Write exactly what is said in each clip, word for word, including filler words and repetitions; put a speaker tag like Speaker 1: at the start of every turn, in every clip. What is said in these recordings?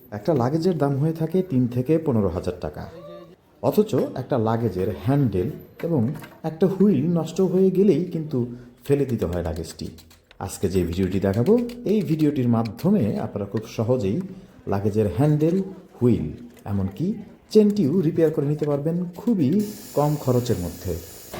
Speaker 1: একটা লাগেজের দাম হয়ে থাকে তিন থেকে পনেরো হাজার টাকা, অথচ একটা লাগেজের হ্যান্ডেল এবং একটা হুইল নষ্ট হয়ে গেলেই কিন্তু ফেলে দিতে হয় লাগেজটি। আজকে যে ভিডিওটি দেখাবো, এই ভিডিওটির মাধ্যমে আপনারা খুব সহজেই লাগেজের হ্যান্ডেল, হুইল এমনকি চেনটিও রিপেয়ার করে নিতে পারবেন খুবই কম খরচের মধ্যে।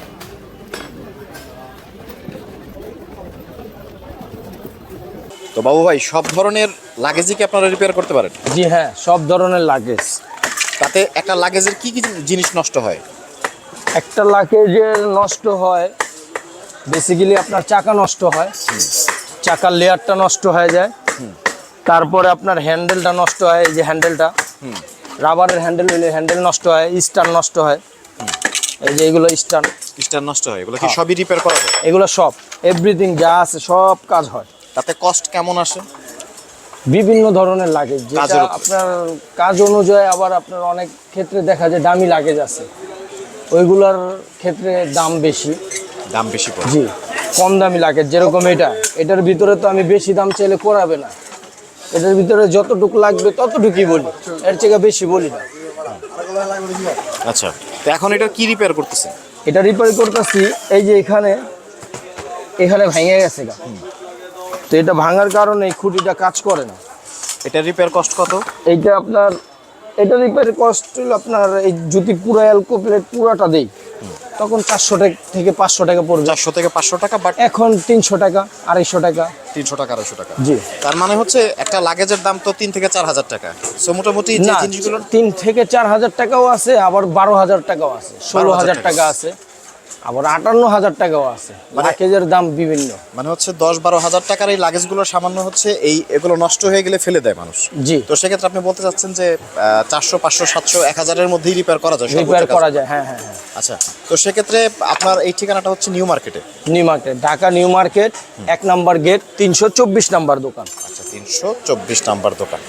Speaker 2: তো বাবু ভাই, সব ধরনের লাগেজই কি আপনারা রিপেয়ার করতে পারেন?
Speaker 3: জি হ্যাঁ, সব ধরনের লাগেজ।
Speaker 2: তাতে একটা লাগেজের কি কি জিনিস নষ্ট হয়?
Speaker 3: একটা লাগেজের নষ্ট হয় বেসিক্যালি আপনার চাকা নষ্ট হয়, চাকার লেয়ারটা নষ্ট হয়ে যায়, তারপরে আপনার হ্যান্ডেলটা নষ্ট হয়, এই যে হ্যান্ডেলটা রাবারের হ্যান্ডেল হইলে হ্যান্ডেল নষ্ট হয়, স্টার নষ্ট হয়, এই যে এগুলো স্টার
Speaker 2: স্টার নষ্ট হয়, এগুলো কি সবই রিপেয়ার করা যায়?
Speaker 3: এগুলো সব এভরিথিং যা আছে সব কাজ হয়।
Speaker 2: তাতে কস্ট কেমন আসে?
Speaker 3: বিভিন্ন ধরনের লাগেজ, যেটা আপনার কাজ অনুযায়ী, আবার আপনার অনেক ক্ষেত্রে দেখা যায় দামি লাগেজ আছে, ওইগুলোর ক্ষেত্রে দাম বেশি।
Speaker 2: দাম বেশি পড়ে?
Speaker 3: জি, কম দামি লাগেজ যেরকম এটা, এটার ভিতরে তো আমি বেশি দাম চাইলে করাবে না, এটার ভিতরে যতটুকু লাগবে ততটুকুই বলি, এর থেকে বেশি বলি না।
Speaker 2: আচ্ছা, তো এখন এটা কি রিপেয়ার করতেছে?
Speaker 3: এটা রিপেয়ার করতেছি, এই যে এখানে এখানে ভেঙে গেছে গা, তো এটা ভাঙার কারণে এই খুঁটিটা কাজ করে না।
Speaker 2: এটা রিপেয়ার কস্ট কত?
Speaker 3: এইটা আপনার এটা রিপেয়ারের কস্ট হলো আপনার, এই যদি পুরো অ্যালকো প্লেট পুরাটা দেই তখন চারশো টাকা থেকে পাঁচশো টাকা পড়বে।
Speaker 2: চারশো থেকে পাঁচশো টাকা, বাট
Speaker 3: এখন তিনশো টাকা আড়াইশো টাকা।
Speaker 2: তিনশো টাকা আড়াইশো টাকা?
Speaker 3: জি।
Speaker 2: তার মানে হচ্ছে একটা লাগেজের দাম তো তিন থেকে চার হাজার টাকা। সো মোটামুটি যে
Speaker 3: না,
Speaker 2: জিনিসগুলো
Speaker 3: তিন থেকে চার হাজার টাকাও আছে, আবার বারো হাজার টাকাও আছে, ষোলো হাজার টাকা আছে, আবার আটান্ন হাজার টাকাও আছে। লাগেজের দাম বিভিন্ন,
Speaker 2: মানে হচ্ছে দশ বারো হাজার টাকার এই লাগেজগুলো সামান্য হচ্ছে এই এগুলো নষ্ট হয়ে গেলে ফেলে দেয় মানুষ।
Speaker 3: জি।
Speaker 2: তো সেক্ষেত্রে আপনি বলতে চাচ্ছেন যে চারশো পাঁচশো সাতশো এক হাজারের মধ্যেই রিপেয়ার করা যায়?
Speaker 3: রিপেয়ার করা যায়, হ্যাঁ হ্যাঁ হ্যাঁ।
Speaker 2: আচ্ছা, তো সেক্ষেত্রে আপনার এই ঠিকানাটা হচ্ছে নিউ মার্কেটে?
Speaker 3: New market, Dhaka new market, এক নাম্বার গেট, তিনশো চব্বিশ নাম্বার দোকান।
Speaker 2: আচ্ছা, তিনশো চব্বিশ নাম্বার দোকান।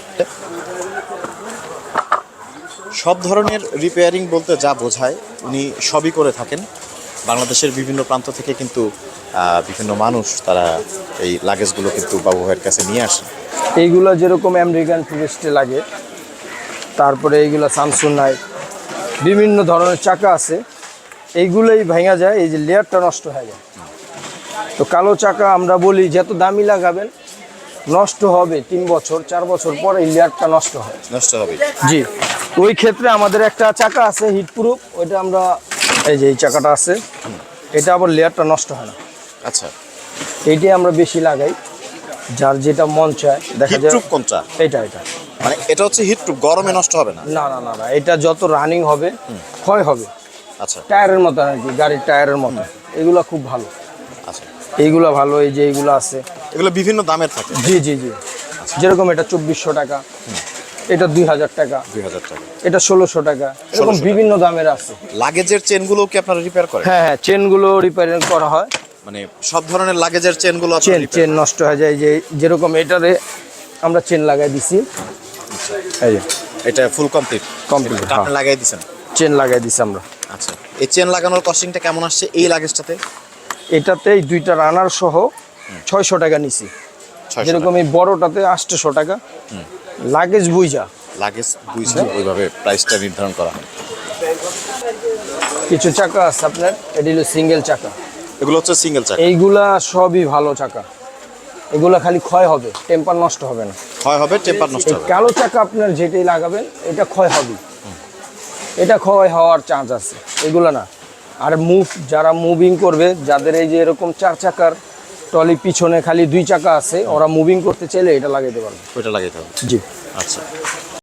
Speaker 2: সব ধরনের রিপেয়ারিং বলতে যা বোঝায় উনি সবই করে থাকেন। বাংলাদেশের বিভিন্ন প্রান্ত থেকে কিন্তু বিভিন্ন মানুষ তারা এই লাগেজগুলো কিন্তু বাবু ভাইয়ের কাছে নিয়ে আসে।
Speaker 3: এইগুলো যেরকম আমেরিকান টুরিস্টে লাগে, তারপরে এইগুলো স্যামসুনাইট, বিভিন্ন ধরনের চাকা আছে, এইগুলোই ভেঙে যায়, এই যে লেয়ারটা নষ্ট হয়ে যায়। তো কালো চাকা আমরা বলি যত দামি লাগাবেন নষ্ট হবে তিন বছর চার বছর পরে এই লেয়ারটা নষ্ট হয়,
Speaker 2: নষ্ট হবে।
Speaker 3: জি। ওই ক্ষেত্রে আমাদের একটা চাকা আছে হিট প্রুফ, ওইটা আমরা, এই যে এই চাকাটা আছে, এটা আবার লেয়ারটা নষ্ট হয় না।
Speaker 2: আচ্ছা,
Speaker 3: এইটাই আমরা বেশি লাগাই, যার যেটা মন চায়। দেখা যায়
Speaker 2: হিটপ্রুফ কোনটা?
Speaker 3: এটা এটা
Speaker 2: মানে এটা হচ্ছে হিটপ্রুফ, গরমে নষ্ট হবে না?
Speaker 3: না না না না, এটা যত রানিং হবে ক্ষয় হবে।
Speaker 2: আচ্ছা,
Speaker 3: টায়ারের মতো আর কি, গাড়ির টায়ারের মতো। এগুলো খুব ভালো।
Speaker 2: আচ্ছা,
Speaker 3: এইগুলো ভালো, এই যে এইগুলো আছে,
Speaker 2: এগুলো বিভিন্ন দামের থাকে?
Speaker 3: জি জি জি। যেরকম এটা চব্বিশশো টাকা, এটা দুই হাজার টাকা,
Speaker 2: দুই হাজার টাকা,
Speaker 3: এটা ষোলোশো টাকা, এরকম বিভিন্ন দামের আছে।
Speaker 2: লাগেজের চেনগুলো কি আপনারা রিপেয়ার করেন?
Speaker 3: হ্যাঁ হ্যাঁ, চেনগুলো রিপেয়ারিং করা হয়।
Speaker 2: মানে সব ধরনের লাগেজের চেনগুলো
Speaker 3: চেন চেন নষ্ট হয়ে যায়, যে যেরকম এটারে আমরা চেন লাগাই দিছি, এই যে
Speaker 2: এটা ফুল কমপ্লিট
Speaker 3: কমপ্লিট
Speaker 2: আপনি লাগাই দিয়েছেন?
Speaker 3: চেন লাগাই দিছি আমরা।
Speaker 2: আচ্ছা, এই চেন লাগানোর কস্টিংটা কেমন আসছে এই লাগেজটাতে?
Speaker 3: এটাতে এই দুইটা রানার সহ ছয়শো টাকা নিছি। যেরকম এই বড়টাতে আটশোশো টাকা, লাগেজ বুঝা
Speaker 2: লাগেজ বুঝে ওইভাবে প্রাইসটা নির্ধারণ করা হয়।
Speaker 3: কিছু চাকা আছে আপনার, এটি হলো সিঙ্গেল চাকা,
Speaker 2: এগুলো হচ্ছে সিঙ্গেল চাকা?
Speaker 3: এইগুলা সবই ভালো চাকা, এগুলা খালি ক্ষয় হবে, টেম্পার নষ্ট হবে না।
Speaker 2: ক্ষয় হবে, টেম্পার নষ্ট
Speaker 3: এই
Speaker 2: হবে?
Speaker 3: কালো চাকা আপনার যেটাই লাগাবেন এটা ক্ষয় হবে, এটা ক্ষয় হওয়ার চান্স আছে, এগুলো না। আর মুভ যারা মুভিং করবে, যাদের এই যে এরকম চার চাকার ট্রলি পিছনে খালি দুই চাকা আছে, ওরা মুভিং করতে চাইলে এটা লাগাইতে পারবে।
Speaker 2: ওইটা লাগাইতে হবে?
Speaker 3: জি।
Speaker 2: আচ্ছা,